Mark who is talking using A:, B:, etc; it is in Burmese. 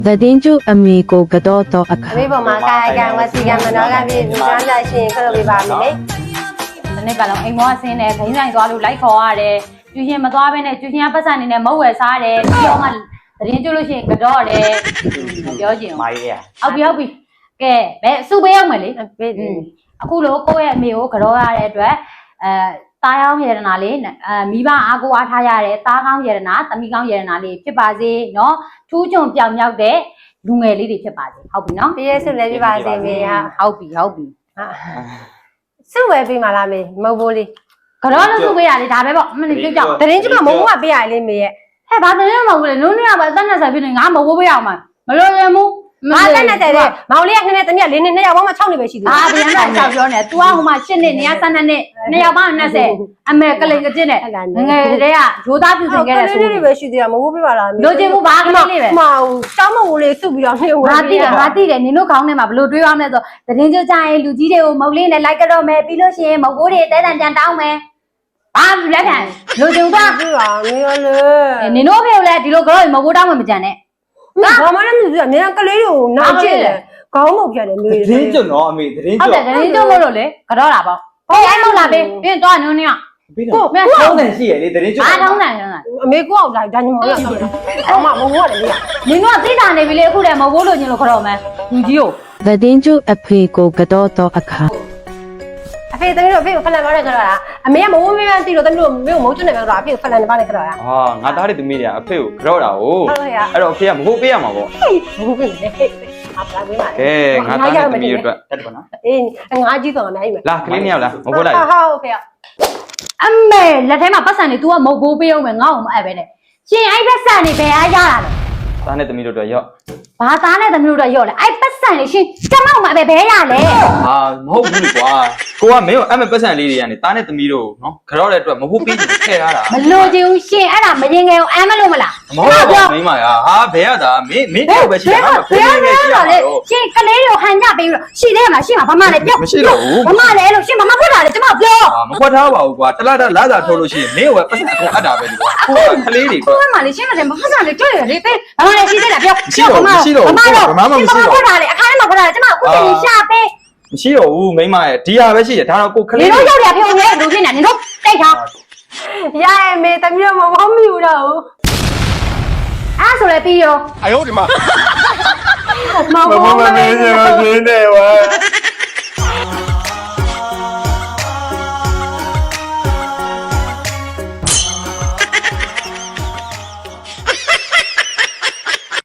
A: သတင်းကျအမေကိုကတော့တော့အခါ
B: အမေပေါ်မှာကာယကံဝစီကံမနောကပြည့်လူသားကြရှင်ခလို့ပြပါမယ်လေ
C: ဒီနေ့ကလည်းအိမ်မောဆင်းတယ်ဂိမ်းဆိုင်သွားလို့လိုက်ခေါ်ရတယ်ကျူရှင်မသွားဘဲနဲ့ကျူရှင်ကပတ်စံနေနဲ့မုတ်ဝယ်စားတယ်ပြီးတော့မှသတင်းကျလို့ရှိရင်ကတော့တယ်ပြောချင်
D: မိုင်းရ
C: ဟုတ်ပြီကဲဘယ်စုပေးအောင်မယ်လေအခုလိုကိုယ့်ရဲ့အမေကိုကတော့ရတဲ့အတွက်တားရောင်းရတနာလေးမိဘအားကိုအားထားရတဲ့တားကောင်းရတနာသမီးကောင်းရတနာလေးဖြစ်ပါစေเนาะထူးချွန်ပြောင်မြောက်တဲ့လူငယ်လေးတွေဖြစ်ပါစေဟုတ်ပြီเนาะ
B: ပြည့်စုံလည်းပြပါစေမေဟာ
C: ဟုတ်ပြီ
B: စုဝယ်ပေးမှလားမေမဟုတ်ဘူးလေ
C: ကတော့လို့စုပေးရလေဒါပဲပေါ့မနေ့ပြောကြ
B: သတင်းကျမမုံကပေးရလေမေရဲ့
C: ဟဲ့ဘာသတင်းမဟုတ်ဘူးလေနုံးနေရပါအသက်နဲ့ဆိုင်ဖြစ်နေငါမဝိုးပေးအောင်မလို့ရမှု
B: ငါတက်နေတဲ့မောင်လေးကခနဲ့တမီးက၄နှစ်2ယောက်ပေါင်းမှ6နှစ်ပဲရှိသေးတယ်
C: အာဗျာနဲ့ဆောက်ပြောနေ तू ကဟိုမှာ8နှစ်နေရ12နှစ်2ယောက်ပေါင်း20အမေကလိန်ကကျင်းနဲ့ငယ်တည်းကဂျိုးသားပြူစင်ခဲ့တဲ့ဆို
B: လေးတွေပဲရှိသေးတာမဟုတ်ပေးပါလားမေ
C: လိုချင်မှုဘာကလေးလေးပဲ
B: မဟုတ်တောင်းမဝလေးစုပြီးတော့နှိမ့်ဝယ်
C: ငါသိတယ်နင်တို့ခေါင်းထဲမှာဘလို့တွေးရမလဲဆိုသတင်းကြကြရင်လူကြီးတွေကိုမုတ်လေးနဲ့လိုက်ကြတော့မယ်ပြီးလို့ရှိရင်မုတ်ကိုတွေတဲတန်တန်တောင်းမယ်ဘာလက်ခံလိုချင်သွား
B: ပြပါမေရလေ
C: နင်တို့ဖေကိုလည်းဒီလိုကတော့မုတ်ကိုတောင်းမှမကြံနဲ့
B: ဘာမှလည်းမသိဘူးနေကလေးတွေကိုနားကျင်တယ်ခေါင်းမုတ်ပြတယ်မေ
D: သတင်းကျွတ်နော်အမေသတင်း
C: ဟုတ်
D: ကျွ
C: တ
D: တ်
C: ယ်သတင်းကြလို့လို့လေကတော့တာပေါ့ဟေးအဲ့မဟုတ်လားပေးပြီးတော့နုံးနေရ
D: ပြီးတော့မင်းထောင်းတယ်ရှိရလေသတင်းကျွတ်
C: အားထောင်းတယ်
B: အမေကိုအောင်လာဒါညမောရအော်မမဟုတ်တယ်လေ
C: နင်တို့ကသိတာနေပြီလေအခုတည်းမဟုတ်ဘူးလို့ညင်လို့ခေါ်တော့မယ်လူကြီးကို
A: သတင်းကျအဖေကိုကတော့တော့အခါ
B: အဖေသမီးတို့အဖေကိုဖလန်ပါနဲ့ကြတော့လားအမေကမဝန်းမန်းတီးလို့သမီးတို့မေကိုမုန်းကျွတ်နေပဲတော့အဖေကိုဖလန်ပါနဲ့ကြတော့လား
D: ဟာငါသားတွေသမီးတွေကအဖေကိုကြောက်တာကို
B: ဟုတ်ရဲ့
D: အဲ့တော့အဖေကမဟုတ်ပေးရမှာပေါ့
B: ဘူးပြင်လေအပလာပေးပါလေ
D: ကဲငါသားတွေသမီးတွေအတွက်တက်တယ်ပါနော်
B: အေးငါကြီးတော့အများကြီးပဲ
D: လာကလေးနှစ်ယောက်လားမဟုတ်လိုက်
B: ဟုတ်ဖေ
C: အမေလက်ထဲမှာပတ်စံနေ तू ကမဟုတ်ဘူးပေးအောင်မယ်ငါ့အောင်မအပ်ပဲနဲ့ရှင်အဲ့ပတ်စံနေဘယ်အားရတာလဲ
D: သားနဲ့သမီးတို့အတွက်ရော့
C: ဘာသားနဲ့သမီးတို့တော့ရော့လဲအဲ့ပတ်စံနေရှင်ကျမောက်မှာပဲဘယ်ရလဲ
D: ဟာမဟုတ်ဘူးလေကွာကိုကမင်းကိုအမေပတ်စံလေးတွေကနေသားနဲ့သမီးတို့နော်ကြောက်တဲ့အတွက်မဟုတ်ပေးချင်ထည့်ထားတာ
C: မလို့ချင်ဘူးရှင်အဲ့ဒါမရင်ငယ်အောင်အမ်းမလို့မလား
D: မဟုတ်ပါဘူးမိမရာဟာဘယ်ရတာမင်းတယောက်ပဲရှိတာငါဖေးနေနေရှိတာတော့
C: ရှင်ကလေးတွေကိုဟန်ညပေးပြီးတော့ရှိသေးမှာရှင်ဘာမှလည်းပြော
D: မရှိတော့ဘူး
C: ဘာမှလည်းလို့ရှင်ဘာမှဖွက်တာလေကျမပြော
D: ဟာမခွက်ထားပါဘူးကွာတလားလာစာထုတ်လို့ရှိရင်မင်းကပတ်စံအကုန်အပ်တာပဲဒီကွာကိုကကလေးတွေ
C: ကိုယ်မှလေရှင်းမတယ်မဖွက်တာလေတွေ့ရလေပေးဘာမှလည်းရှိသေးတာပြောဘာမှဖွက်တာလေအခါထဲမှာဖွက်တာလေကျမအခုချိန်ရှာပေး
D: မရှိတော့ဘူးမိမရဲ့ဒီဟာပဲရှိတယ်ဒါတော့ကိုက
C: န
D: လေး
C: င်တို့ရောက်ရဖေုံနေလူဖြစ်နေနင်တို့တိတ်ထား
B: ရရဲ့မေသမီးတို့မဟုတ်မိဘူးတော့
C: အဲ့ဆိုလည်းပြီးရော
E: 哎呦我的妈！
B: မဟုတ်ဘူးမေ
D: နေဝါ